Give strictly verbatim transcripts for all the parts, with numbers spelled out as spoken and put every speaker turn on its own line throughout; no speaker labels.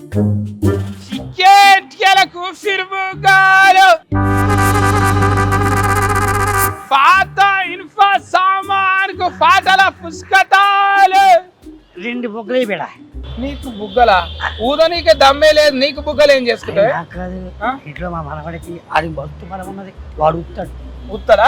చికెట్లకు ఫిర్ముగాలు పాత ఇన్ఫా సామాన్కు పాటల పుస్తకాలు
రెండు బుగ్గలే బేడా.
నీకు బుగ్గల ఊదో నీకే దమ్మే లేదు, నీకు బుగ్గలు ఏం చేసుకుంటావు?
ఇంట్లో మా మనవడికి అది బస్తు బలం ఉన్నది, వాడు ఉత్తాడు.
ఉత్తరా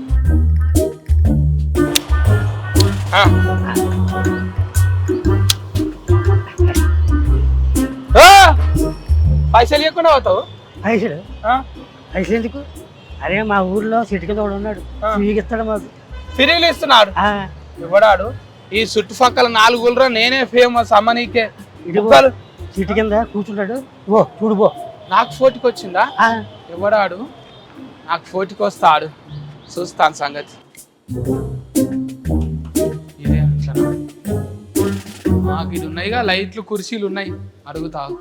పైసలు ఇవ్వకుండా అవుతావు?
పైసలు పైసలు ఎందుకు? అరే మా ఊర్లో సిటీ కింద వాడు ఉన్నాడు, ఇస్తాడు మాకు.
ఫిరీలు ఇస్తున్నాడు ఇవ్వడాడు. ఈ చుట్టుపక్కల నాలుగు ఊళ్ళో నేనే ఫేమస్ అమ్మ నీకే.
సిటీ కింద కూర్చుంటాడు, ఓ చూడు పో.
నాకు ఫోర్టీకి వచ్చిందా? ఇవ్వడాడు. నాకు ఫోర్టీకి వస్తాడు, చూస్తాను సంగతి. ఇదే మాకు ఇది ఉన్నాయిగా, లైట్లు కుర్చీలు ఉన్నాయి, అడుగుతావు.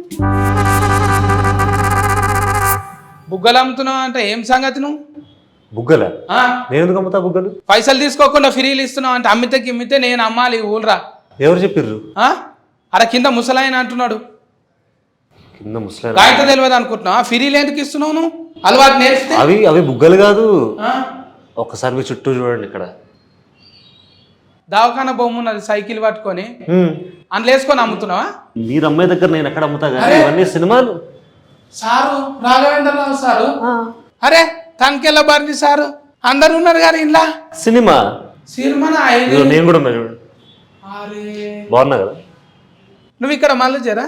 బుగ్గలు అమ్ముతున్నావు అంటే ఏం సంగతి? నువ్వు
బుగ్గల నేను ఎందుకు అమ్ముతా బుగ్గలు?
పైసలు తీసుకోకుండా ఫ్రీలు ఇస్తున్నావు అంటే అమ్మితే గిమ్మితే నేను అమ్మాలి ఊళ్ళరా.
ఎవరు చెప్పిర్రు?
అరే కింద ముసలాయన అంటున్నాడు.
కింద ముసలాయన
కాగితం తెలియదు అనుకుంటున్నావా? ఫ్రీలు ఎందుకు ఇస్తున్నావు నువ్వు? అలవాటు నేర్పితే.
అవి అవి బుగ్గలు కాదు. ఒక్కసారి మీ చుట్టూ చూడండి. ఇక్కడ
దవాఖాన బొమ్మ ఉన్నది, సైకిల్ పట్టుకొని అందులో వేసుకొని అమ్ముతున్నావా?
మీరు అమ్మాయి దగ్గర నేను ఎక్కడ అమ్ముతా కానీ ఇవన్నీ సినిమాలు.
సారు రాఘవేంద్రరావు సారు, అరే తనకెళ్ళ బారి సారు అందరు ఉన్నారు కానీ ఇలా
సినిమా
సినిమా
నేను కూడా ఉన్నా చూడండి. బాగున్నా కదా?
నువ్వు ఇక్కడ మళ్ళీ జరా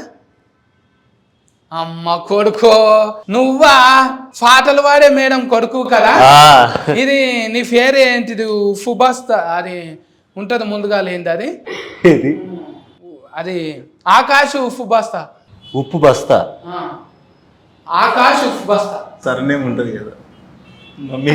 అమ్మ కొడుకో, నువ్వా పాటలు వాడే మేడం కొడుకు కదా? ఇది నీ పేరు ఏంటిది? ఉప్పు బస్తా అది ఉంటది ముందుగా లేనిది, అది అది ఆకాశ్ ఉప్పు బస్తా.
ఉప్పు బస్తా
ఆకాశ్ ఉప్పు బస్తా
సర్నేమ్ ఉంటది కదా మమ్మీ.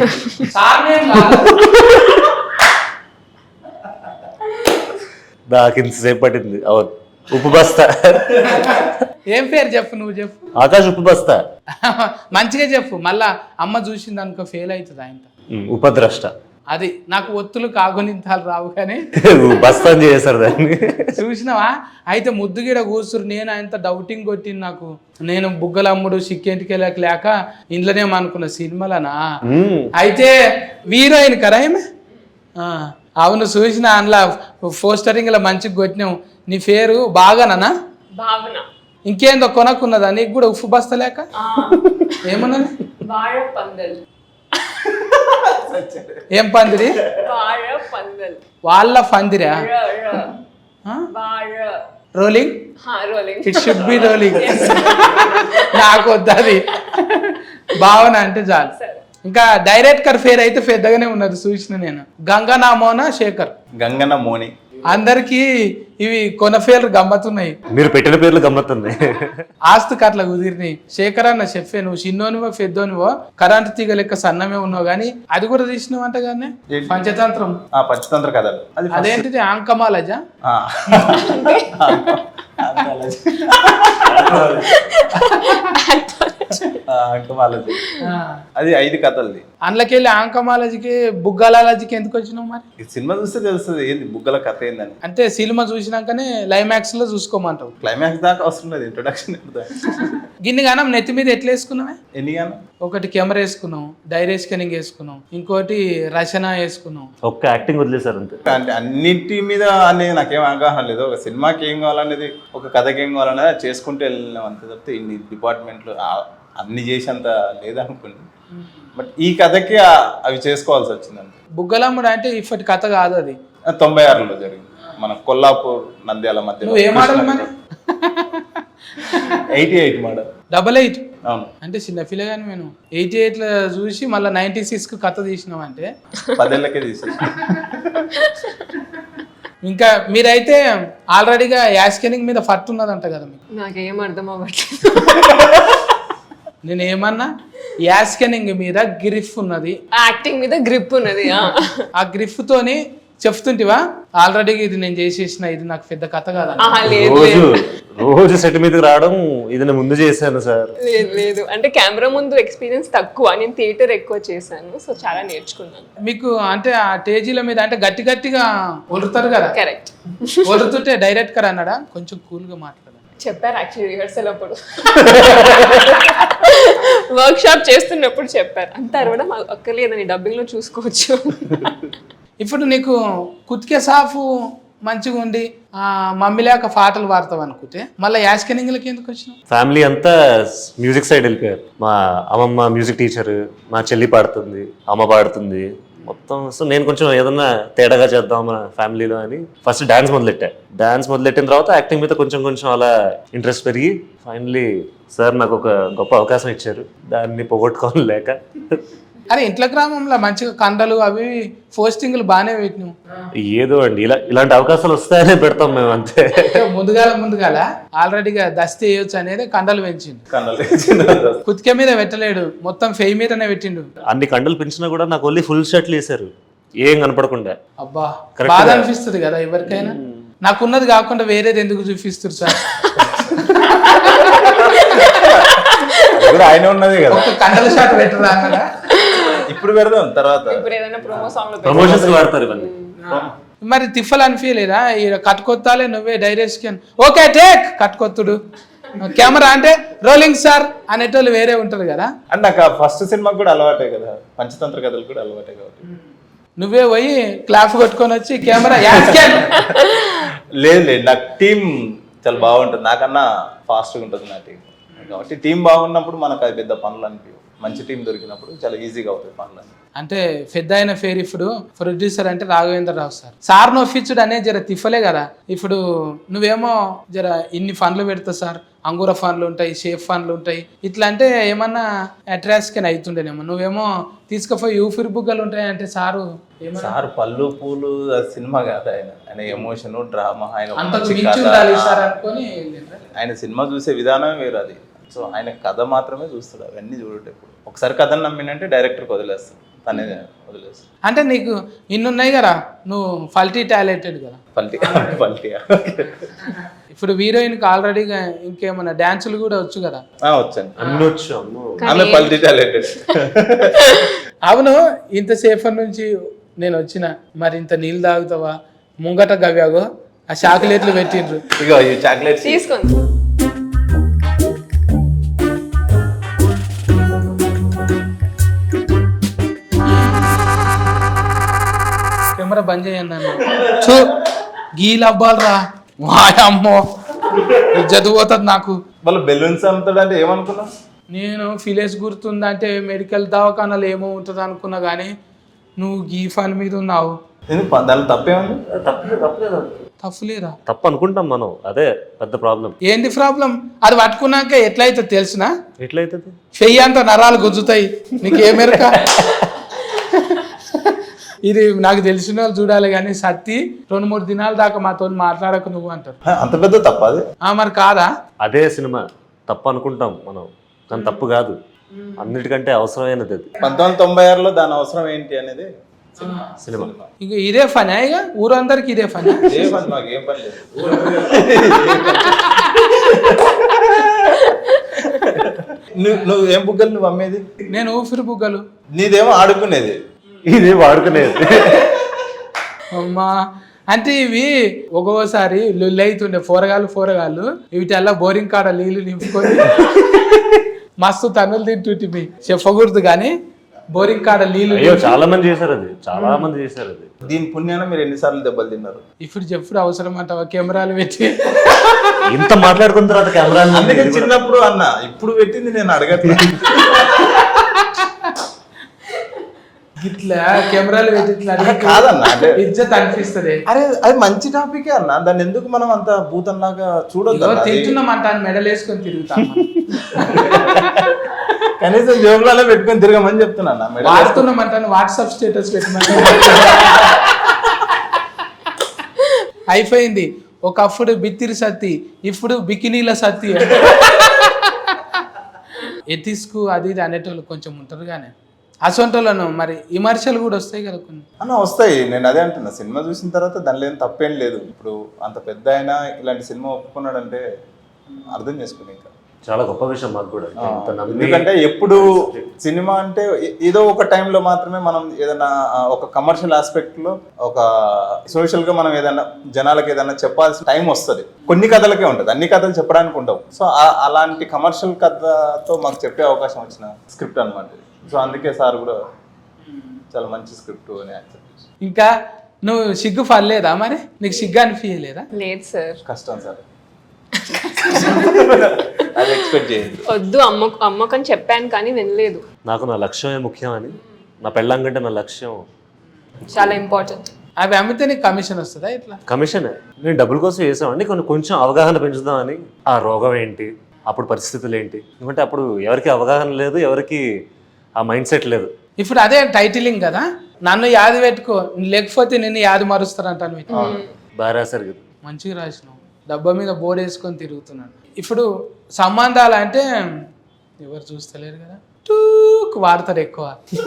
నాకు ఇంతసేపు పట్టింది. అవును ఉప్పు బస్తా.
ఏం పేరు చెప్పు, నువ్వు చెప్పు.
ఆకాశ్ ఉప్పు బస్తా.
మంచిగా చెప్పు, మళ్ళా అమ్మ చూసింది అనుకో ఫెయిల్ అవుతుంది ఆయన.
ఉపద్రష్ట.
అది నాకు ఒత్తులు కాగునింతాలు రావు కానీ
బస్తా చేశారు దాన్ని.
చూసినావా? అయితే ముద్దుగిడ కూర్చురు. నేను ఆయనతో డౌటింగ్ కొట్టింది. నాకు నేను బుగ్గలమ్ముడు సిక్కేంటికి వెళ్ళక లేక ఇంట్లోనే అనుకున్న సినిమాలనా. అయితే హీరోయిన్ కదా ఏమే? అవును చూసిన అందులో పోస్టరింగ్ లో మంచిగా కొట్టినావు. నీ పేరు బాగానా? ఇంకేందో కొనక్కున్నదా నీకు కూడా ఉప్పు బస్తా లేక? ఏమన్నది? ఏం పందిరి? వాళ్ళ పందిరా? Rolling it should be rolling. నాకు వద్దది. భావన అంటే చాలు. ఇంకా డైరెక్టర్ పేరు అయితే పెద్దగానే ఉన్నది చూసిన నేను. గంగనా మోనా శేఖర్.
గంగన మోని.
అందరికి ఇవి కొన పేర్లు గమ్మత్తున్నాయి.
మీరు పెట్టిన పేర్లు గమ్మత్తుంది.
ఆస్తుకి అట్లా కుదిరినాయి. శేఖర్ అన్న చెప్పే నువ్వు చిన్నోనివో పెద్దోనివో కరెంటు తీగ లెక్క సన్నమే ఉన్నావు కానీ అది కూడా తీసినావు అంట కానీ. పంచతంత్రం.
పంచతంత్ర కథలు.
అదేంటిది? ఆంకమాలజా?
అంకమాలజీ. అది ఐదు కథలది.
అందులోకెళ్ళి ఆంకమాలజీకి బుగ్గలాలజీకి ఎందుకు వచ్చినావు మరి?
సినిమా చూస్తే తెలుస్తుంది ఏంది బుగ్గల కథ ఏందని.
అంటే సినిమా చూసినాకనే క్లైమాక్స్ లో చూసుకోమంటావు?
క్లైమాక్స్ దాకా అవసరం లేదు, ఇంట్రొడక్షన్.
గిన్ని గానం నెత్తి మీద ఎట్లా వేసుకున్నావే?
ఎన్ని గానం?
ఒకటి కెమెరా వేసుకున్నావు, డైరీ స్కానింగ్ వేసుకున్నావు, ఇంకోటి రచన వేసుకున్నావు.
ఒక్క యాక్టింగ్ వదిలేసారు అంతే.
అంటే అన్నింటి మీద అనేది నాకేం అవగాహన లేదు. ఒక సినిమాకి ఏం కావాలనేది, ఒక కథకి ఏం కావాలనేది చేసుకుంటూ వెళ్ళినాం అంతే తప్పితే ఇన్ని డిపార్ట్మెంట్లు అన్ని చేసేంత లేదనుకోండి. బట్ ఈ కథకి అవి చేసుకోవాల్సి వచ్చింది అంతే.
బుగ్గలమ్ముడు అంటే ఇప్పటి కథ కాదు, అది
తొంభై ఆరులో జరిగింది మన కొల్లాపూర్ నంద్యాల మధ్య.
నువ్వు ఏ మోడల్ మరి?
Eighty eight model.
Double eight.
అవును.
అంటే చిన్న పిల్లగాని నేను ఎయిటీ ఎయిట్ లో చూసి మళ్ళీ నైన్టీ సిక్స్ కు కథ తీసినావు అంటే
పదేళ్ళకే తీసేసి.
ఇంకా మీరైతే ఆల్రెడీగా యాస్కెనింగ్ మీద ఫట్ ఉన్నదంట కదా మీకు?
నాకేం అర్థం అవ్వట్లేదు.
నేను ఏమన్నా యాస్కెనింగ్ మీద గ్రిఫ్ ఉన్నది,
యాక్టింగ్ మీద గ్రిప్ ఉన్నది.
ఆ గ్రిఫ్ తోని చెప్తుంటివా ఆల్రెడీ ఇది నేను చేసేసిన, ఇది నాకు పెద్ద కథ కాదా?
రోజు రోజు సెట్ మీదకి రావడం ఇది నేను ముందు చేశాను సార్.
లేదు లేదు, అంటే కెమెరా ముందు ఎక్స్పీరియన్స్ తక్కువ, నేను థియేటర్ ఎక్కువ చేశాను, సో చాలా నేర్చుకున్నాను.
మీకు అంటే ఆ స్టేజీల మీద అంటే గట్టి గట్టిగా ఒలుతారు కదా?
కరెక్ట్.
ఒలుతుంటే డైరెక్టర్ అన్నాడా కొంచెం కూల్ గా మాట్లాడాలి?
చెప్పారు యాక్చువల్లీ రిహర్సల్ అప్పుడు వర్క్ షాప్ చేస్తున్నప్పుడు చెప్పారు అంత అరవడం అక్కర్లేదని డబ్బింగ్ లో చూసుకోవచ్చు.
ఇప్పుడు నీకు కుతికే సాఫ్ మంచిగా ఉండి ఆ మమ్మీ లేక పాటలు పాడతావు అనుకుంటే మళ్ళీ యాస్కెనింగ్లకి ఎందుకు వచ్చినావు?
ఫ్యామిలీ అంతా మ్యూజిక్ సైడ్ వెళ్ళిపోయారు. మా అమ్మమ్మ మ్యూజిక్ టీచర్, మా చెల్లి పాడుతుంది, అమ్మ పాడుతుంది మొత్తం. సో నేను కొంచెం ఏదన్నా తేడాగా చేద్దాం మన ఫ్యామిలీలో అని ఫస్ట్ డాన్స్ మొదలెట్టా. డాన్స్ మొదలెట్టిన తర్వాత యాక్టింగ్ మీద కొంచెం కొంచెం అలా ఇంట్రెస్ట్ పెరిగి ఫైనలీ సార్ నాకు ఒక గొప్ప అవకాశం ఇచ్చారు, దాన్ని పోగొట్టుకోవాలి లేక.
అరే ఇంట్లో గ్రామంలో మంచిగా కండలు అవి పోస్టింగ్లు బాగానే పెట్టినావు.
ఏదో అండి ఇలా ఇలాంటి అవకాశాలు వస్తాయనే పెడతాం మేము అంతే.
ముందుగాల ముందుగాల ఆల్రెడీగా దస్తి వేయొచ్చు అనేది కండలు పెంచిండు.
కన్నలు
కుతికే మీద పెట్టలేడు, మొత్తం ఫెయి మీదనే పెట్టిండు.
అన్ని కండలు పెంచినా కూడా నాకు ఓన్లీ ఫుల్ షర్ట్లు వేసారు, ఏం కనపడకుండా.
అబ్బా బాధ అనిపిస్తుంది కదా ఎవరికైనా. నాకున్నది కాకుండా వేరేది ఎందుకు చూపిస్తారు సార్?
ఆయన ఉన్నది కదా,
ఒక కండల షాట్ పెట్టరా అక్కడ.
ఇప్పుడు పెడదాం తర్వాత.
ఇప్పుడు ఏదైనా ప్రోమో సాంగ్ లో
ప్రమోషన్స్ వాడతారు ఇవన్నీ.
మరి తిఫల్ అనిపించలేదా? కట్టుకొత్తాలే నువ్వే డైరెక్షన్ ఓకే టేక్ కట్టుకొత్తుడు కెమెరా అంటే రోలింగ్ సార్ అనేటోళ్ళు వేరే ఉంటారు కదా.
అంటే నాకు ఫస్ట్ సినిమాకి కూడా అలవాటే కదా, పంచతంత్ర కథలు కూడా అలవాటే కాబట్టి
నువ్వే పోయి క్లాప్ కొట్టుకొని వచ్చి కెమెరా యాస్కెన్.
లేదు లేదు నాకు టీం చాలా బాగుంటుంది, నాకన్నా ఫాస్ట్గా ఉంటుంది నా టీం కాబట్టి టీం బాగున్నప్పుడు మనకు అది పెద్ద పనులు అనిపించవు. మంచి టీం దొరికినప్పుడు చాలా ఈజీగా అవుతాయి పనులు.
అంటే పెద్ద అయిన ఫేర్ ఇప్పుడు ప్రొడ్యూసర్ అంటే రాఘవేంద్ర రావు సార్. సార్ నొప్పించుడు అనేది జర తిఫలే కదా. ఇప్పుడు నువ్వేమో జర ఇన్ని ఫండ్లు పెడతావు సార్, అంగూర ఫండ్లు ఉంటాయి, షేఫ్ ఫండ్లు ఉంటాయి, ఇట్లా అంటే ఏమన్నా అట్రాక్షన్ అవుతుండేనేమో. నువ్వేమో తీసుకుపోయి యూఫిర్ బుగ్గలు ఉంటాయి అంటే సారు
సార్ పళ్ళు పూలు సినిమా కాదు, ఆయన ఆయన ఎమోషన్ డ్రామా, ఆయన
అంతకు మించి ఉండాలి సార్ అనుకొని
ఆయన సినిమా చూసే విధానమే వేరు అది. సో ఆయన కథ మాత్రమే చూస్తాడు, అవన్నీ చూడేటప్పుడు ఒకసారి కథను నమ్మినంటే డైరెక్టర్కి వదిలేస్తాడు, తనే వదిలేస్తాడు.
అంటే నీకు ఇన్నున్నాయి కదా, నువ్వు ఫల్టీ టాలెంటెడ్ కదా.
పల్టీ పల్టీ
ఇప్పుడు హీరోయిన్కి ఆల్రెడీగా ఇంకేమన్నా డాన్సులు కూడా వచ్చు కదా.
వచ్చాను
అన్ని వచ్చు. అమ్మో
ఆమె పల్టీ టాలెంటెడ్.
అవును, ఇంతసేపటి నుంచి నేను వచ్చిన మరి ఇంత నీళ్ళు తాగుతావా? ముంగట గవ్యాగో ఆ చాక్లెట్లు పెట్టిండ్రు.
ఇగో ఈ చాక్లెట్స్
తీసుకోండి.
కెమెరా బంద్ చేయండి అన్న. చూ గీలు అవ్వాలరా వాయమ్మో, చదువుతుంది నాకు.
వాళ్ళు బెలూన్స్ అమ్ముతాడు అంటే ఏమనుకున్నావు?
నేను ఫిలేస్ గుర్తుందంటే మెడికల్ దవాఖానాలు ఏమో ఉంటుంది అనుకున్నా కానీ నువ్వు గీ ఫన్ మీద ఉన్నావు.
దానిలో తప్పేముంది?
తప్పులేరా?
తప్పు అనుకుంటాం మనం, అదే పెద్ద ప్రాబ్లం.
ఏంటి ప్రాబ్లం? అది పట్టుకున్నాక ఎట్లయితే తెలిసినా
ఎట్లయితుంది?
చెయ్యి అంత నరాలు గుంజుతాయి. నీకు ఏమెరక? ఇది నాకు తెలిసిన వాళ్ళు చూడాలి కానీ సత్తి రెండు మూడు దినాల దాకా మాతో మాట్లాడకు నువ్వు అంటారు.
అంత పెద్ద తప్ప అది?
మరి కాదా?
అదే సినిమా తప్పు అనుకుంటాం మనం, కానీ తప్పు కాదు, అన్నిటికంటే అవసరమైనది అది.
పంతొమ్మిది వందల తొంభై ఆరులో దాని అవసరం ఏంటి అనేది
సినిమా.
ఇక ఇదే ఫనా? ఇక ఊరందరికి ఇదే ఫనా?
ఏ పని మాకు ఏం పని లేదు. నువ్వు నువ్వు ఏం బుగ్గలు నువ్వు అమ్మేది?
నేను ఊపిరి బుగ్గలు.
నీదేమో ఆడుకునేది,
ఇది వాడుకునేది.
అమ్మా అంటే ఇవి ఒక్కొక్కసారి లొల్లి అవుతుండే పోరగాళ్ళు పోరగాళ్ళు వీటిల్లా బోరింగ్ కాడ నీళ్లు నింపుకొని మస్తు తన్నులు తింటుంటివి. చెప్పకూడదు కానీ బోరింగ్ కాడ నీళ్లు.
అయ్యో చాలా మంది చేశారు అది, చాలా మంది చేశారు అది.
దీని పుణ్యాన మీరు ఎన్నిసార్లు దెబ్బలు తిన్నారు?
ఇప్పుడు చెప్పుడు అవసరం అంటావా? కెమెరాలు పెట్టి
ఇంత మాట్లాడుకున్న తర్వాత కెమెరా
అందుకే చిన్నప్పుడు అన్న, ఇప్పుడు పెట్టింది నేను అడగట్లేదు.
ఇట్లా కెమెరాలు పెట్టి ఇట్లా
కాదన్న, అంటే
ఇజ్జత్ అనిపిస్తుంది.
అరే అది మంచి టాపికే అన్న, దాన్ని ఎందుకు మనం అంత భూతంలాగా చూడొద్దు?
తింటున్నామంట అని మెడల్ వేసుకొని తిరుగుతాం.
కనీసం జోబులలో పెట్టుకొని తిరగమని చెప్తున్నా.
వాడుతున్నామంట వాట్సాప్ స్టేటస్ పెట్టమని. అయిపోయింది. ఒకప్పుడు బిత్తిరి సత్తి, ఇప్పుడు బికినీల సత్తి. ఎథిస్కు అది ఇది అనేటోళ్ళు కొంచెం ఉంటారు కానీ అసొంటోళ్ళను మరి విమర్శలు కూడా వస్తాయి కదా కొన్ని.
అన్న వస్తాయి, నేను అదే అంటున్నా. సినిమా చూసిన తర్వాత దానిలో ఏం తప్పేం లేదు. ఇప్పుడు అంత పెద్ద అయినా ఇలాంటి సినిమా ఒప్పుకున్నాడంటే అర్థం చేసుకుని ఇంకా
చాలా గొప్ప విషయం మాకు కూడా ఇంత నమ్మి
ఎందుకంటే ఎప్పుడు సినిమా అంటే ఏ- ఏదో ఒక టైంలో మాత్రమే మనం ఏదైనా ఆ, ఒక కమర్షియల్ ఆస్పెక్ట్ లో ఒక సోషల్ గా మనం ఏదైనా జనాలకు ఏదైనా చెప్పాల్సిన టైం వస్తుంది. కొన్ని కథలకే ఉంటుంది, అన్ని కథలు చెప్పడానికి ఉండవు. సో ఆ- అలాంటి కమర్షియల్ కథతో మాకు చెప్పే అవకాశం వచ్చిన స్క్రిప్ట్ అన్నమాట. సో అందుకే సార్ కూడా చాలా మంచి స్క్రిప్ట్ అని యాక్సెప్ట్ చేసి.
ఇంకా నువ్వు సిగ్గు పడలేదా మరి? నీకు సిగ్గు అనిపించలేదా?
లేదు సార్,
కష్టం సార్ అది ఎక్స్పెక్ట్ చేయండి.
వద్దు అమ్మ అమ్మకని చెప్పాను కానీ వినలేదు.
నాకు నా లక్ష్యమే ముఖ్యం అని, నా పెళ్ళం కంటే నా లక్ష్యం
చాలా ఇంపార్టెంట్.
అవి అమ్మితే నీకు కమిషన్ వస్తుందా ఇట్లా?
కమిషనే. నేను డబ్బుల కోసం చేసామండి, కొన్ని కొంచెం అవగాహన పెంచుదామని. ఆ రోగం ఏంటి, అప్పుడు పరిస్థితులు ఏంటి, ఎందుకంటే అప్పుడు ఎవరికి అవగాహన లేదు, ఎవరికి ఆ మైండ్ సెట్ లేదు.
ఇప్పుడు అదే టైటిలింగ్ కదా, నన్ను యాది పెట్టుకో లేకపోతే నిన్ను యాది మరుస్తారంటాను.
బాగా రాశారు కదా.
మంచిగా రాసినావు. డబ్బా మీద బోర్డు వేసుకొని తిరుగుతున్నాను. ఇప్పుడు సంబంధాలు అంటే ఎవరు చూస్తలేరు కదా, టూక్ వాడతారు ఎక్కువ.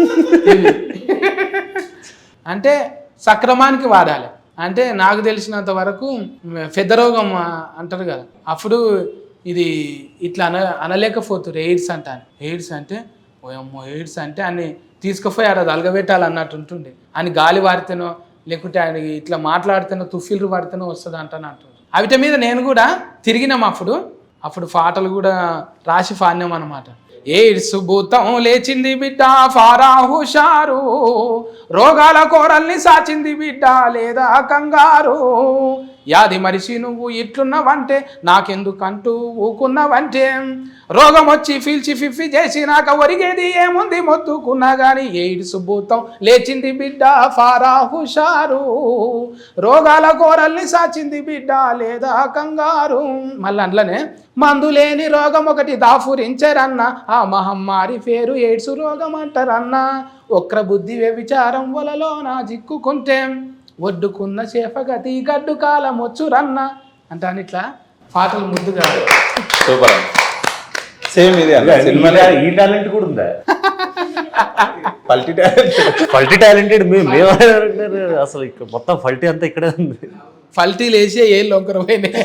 అంటే సక్రమానికి వాడాలి. అంటే నాకు తెలిసినంత వరకు పెద్ద రోగం అంటారు కదా, అప్పుడు ఇది ఇట్లా అన అనలేకపోతున్నారు ఎయిడ్స్ అంటాను. ఎయిడ్స్ అంటే ఓయమ్మో ఎయిడ్స్ అంటే అన్ని తీసుకుపోయి ఆడ అలగబెట్టాలి అన్నట్టు ఉంటుండే. అని గాలి వాడితేనో లేకుంటే ఆయన ఇట్లా మాట్లాడితేనో తుఫిల్లు పడితేనో వస్తుంది అంటాను అంటుండ్రు. అవిట మీద నేను కూడా తిరిగినాం. అప్పుడు అప్పుడు పాటలు కూడా రాసి పాడినాం అనమాట. ఎయిడ్స్ భూతం లేచింది బిడ్డ ఫారా హుషారు, రోగాల కోరల్ని సాచింది బిడ్డ లేదా కంగారు, యాది మరిసి నువ్వు ఇట్లున్నావంటే నాకెందుకంటూ ఊకున్నావంటే, రోగం వచ్చి ఫీల్చి ఫిఫ్ఫి చేసినాక ఒరిగేది ఏముంది మొత్తుకున్నా గాని, ఎయిడ్స్ భూతం లేచింది బిడ్డ ఫారా హుషారు, రోగాల కోరల్ని సాచింది బిడ్డ లేదా కంగారు. మళ్ళీ అందులోనే మందులేని రోగం ఒకటి దాఫురించరన్న, ఆ మహమ్మారి పేరు ఎయిడ్స్ రోగం అంటారన్న, ఒక్ర బుద్ధి వ్యభిచారం వలలో నా జిక్కుకుంటే, ఒడ్డుకున్న చేపగతి గడ్డు కాలం వచ్చురన్న అంటాను. ఇట్లా పాటలు ముద్దుగా.
సూపర్. సేమ్ ఇది అన్న సినిమాలో
ఈ టాలెంట్ కూడా ఉందా?
పల్టీ టాలెంట్.
ఫల్టీ టాలెంటెడ్ మేము అసలు ఇక్కడ మొత్తం ఫల్టీ అంతా ఇక్కడే ఉంది.
ఫల్టీలు వేసే ఏ లొంకర పోయినాయి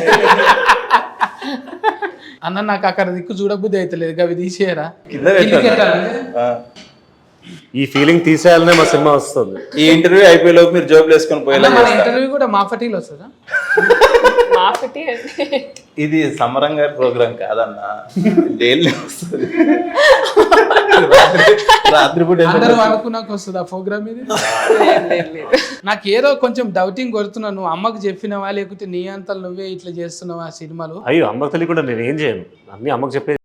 అన్న. నాకు అక్కడ దిక్కు చూడబుద్ధి అవుతలేదు, అవి తీసేయరా.
కింద పెట్టాను. ఆ.
ఈ ఫీలింగ్ తీసేయాలనే మా సినిమా వస్తుంది.
ఈ ఇంటర్వ్యూ అయిపోయే లోపు మీరు జాబ్ వేసుకొని పోయేలా
మన
చేస్తా.
ఇంటర్వ్యూ కూడా మా ఫటీలు వస్తుందా?
మాఫిటీ అంటే
ఇది సమరం గారి ప్రోగ్రామ్ కాదన్నా, డైలీ వస్తుంది. రాత్రిపూట
అందరూ అనుకున్నాక వస్తుంది ఆ ప్రోగ్రామ్ ఇది.
లేదు, లేదు, లేదు.
నాకు ఏదో కొంచెం డౌటింగ్ కొడుతున్నావు. నువ్వు అమ్మకు చెప్పినవా లేకుంటే నీ అంతలు నువ్వే ఇట్లా చేస్తున్నావా సినిమాలు?
అయ్యో అమ్మకు తెలియకుండా నేను ఏం చేయను, అన్ని అమ్మకు చెప్పే